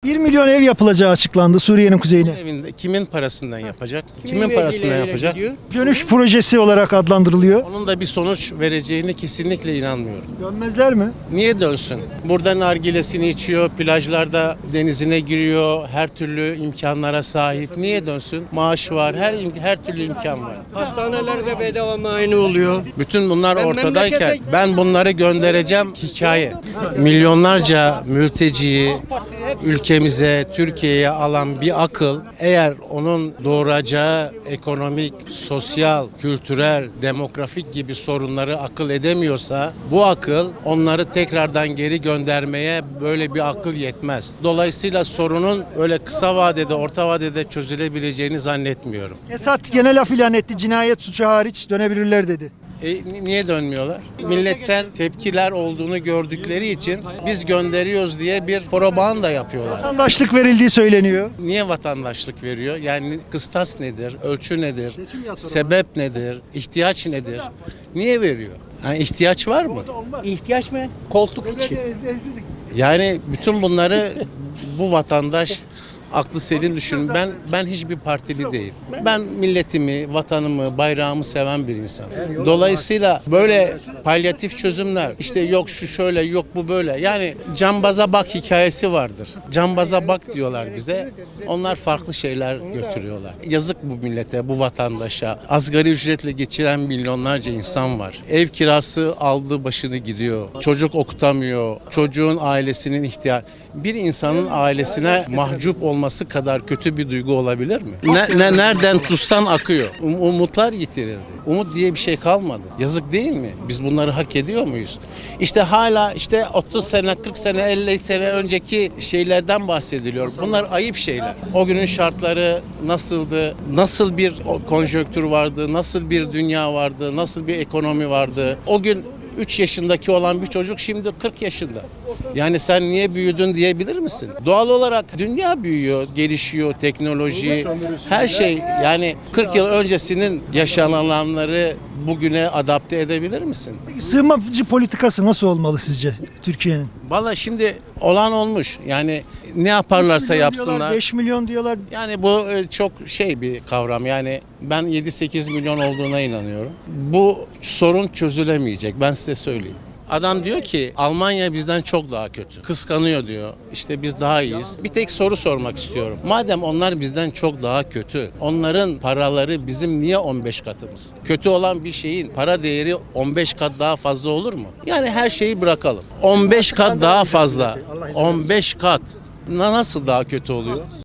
1 milyon ev yapılacağı açıklandı Suriye'nin kuzeyine. Evinde kimin parasından yapacak? Kimin parasından yapacak? Dönüş projesi olarak adlandırılıyor. Onun da bir sonuç vereceğine kesinlikle inanmıyorum. Dönmezler mi? Niye dönsün? Burada nargilesini içiyor, plajlarda denizine giriyor, her türlü imkanlara sahip. Niye dönsün? Maaş var, her türlü imkan var. Hastanelerde bedava muayene oluyor. Bütün bunlar Ben ortadayken memlekete- ben bunları göndereceğim hikaye. Milyonlarca mülteciyi ülkemize, Türkiye'ye alan bir akıl eğer onun doğuracağı ekonomik, sosyal, kültürel, demografik gibi sorunları akıl edemiyorsa bu akıl onları tekrardan geri göndermeye böyle bir akıl yetmez. Dolayısıyla sorunun öyle kısa vadede, orta vadede çözülebileceğini zannetmiyorum. Esad genel af ilan etti. Cinayet suçu hariç dönebilirler dedi. Niye dönmüyorlar? Milletten tepkiler olduğunu gördükleri için biz gönderiyoruz diye bir propaganda yapıyorlar. Vatandaşlık verildiği söyleniyor. Niye vatandaşlık veriyor? Yani kıstas nedir? Ölçü nedir? Sebep nedir? İhtiyaç nedir? Niye veriyor? Yani ihtiyaç var mı? İhtiyaç mı? Koltuk için. Yani bütün bunları bu vatandaş aklı selim düşünün. Ben hiçbir partili değilim. Ben milletimi, vatanımı, bayrağımı seven bir insanım. Dolayısıyla böyle palyatif çözümler, işte yok şu şöyle, yok bu böyle. Yani cambaza bak hikayesi vardır. Cambaza bak diyorlar bize. Onlar farklı şeyler götürüyorlar. Yazık bu millete, bu vatandaşa. Asgari ücretle geçiren milyonlarca insan var. Ev kirası aldı başını gidiyor. Çocuk okutamıyor. Çocuğun ailesinin ihtiyacı. Bir insanın ailesine mahcup olması kadar kötü bir duygu olabilir mi? Nereden tutsan akıyor. Umutlar yitirildi. Umut diye bir şey kalmadı. Yazık değil mi? Biz bunları hak ediyor muyuz? İşte hala 30 sene, 40 sene, 50 sene önceki şeylerden bahsediliyor. Bunlar ayıp şeyler. O günün şartları nasıldı? Nasıl bir konjonktür vardı? Nasıl bir dünya vardı? Nasıl bir ekonomi vardı? O gün 3 yaşındaki olan bir çocuk şimdi 40 yaşında. Yani sen niye büyüdün diyebilir misin? Doğal olarak dünya büyüyor, gelişiyor, teknoloji, her şey. Yani 40 yıl öncesinin yaşananları bugüne adapte edebilir misin? Sığınmacı politikası nasıl olmalı sizce Türkiye'nin? Vallahi şimdi olan olmuş. Yani ne yaparlarsa yapsınlar. 5 milyon diyorlar. Yani bu çok bir kavram. Yani ben 7-8 milyon olduğuna inanıyorum. Bu sorun çözülemeyecek. Ben size söyleyeyim. Adam diyor ki Almanya bizden çok daha kötü. Kıskanıyor diyor. İşte biz daha iyiyiz. Bir tek soru sormak istiyorum. Madem onlar bizden çok daha kötü, onların paraları bizim niye 15 katımız? Kötü olan bir şeyin para değeri 15 kat daha fazla olur mu? Yani her şeyi bırakalım. 15 kat daha fazla. 15 kat. Nasıl daha kötü oluyor?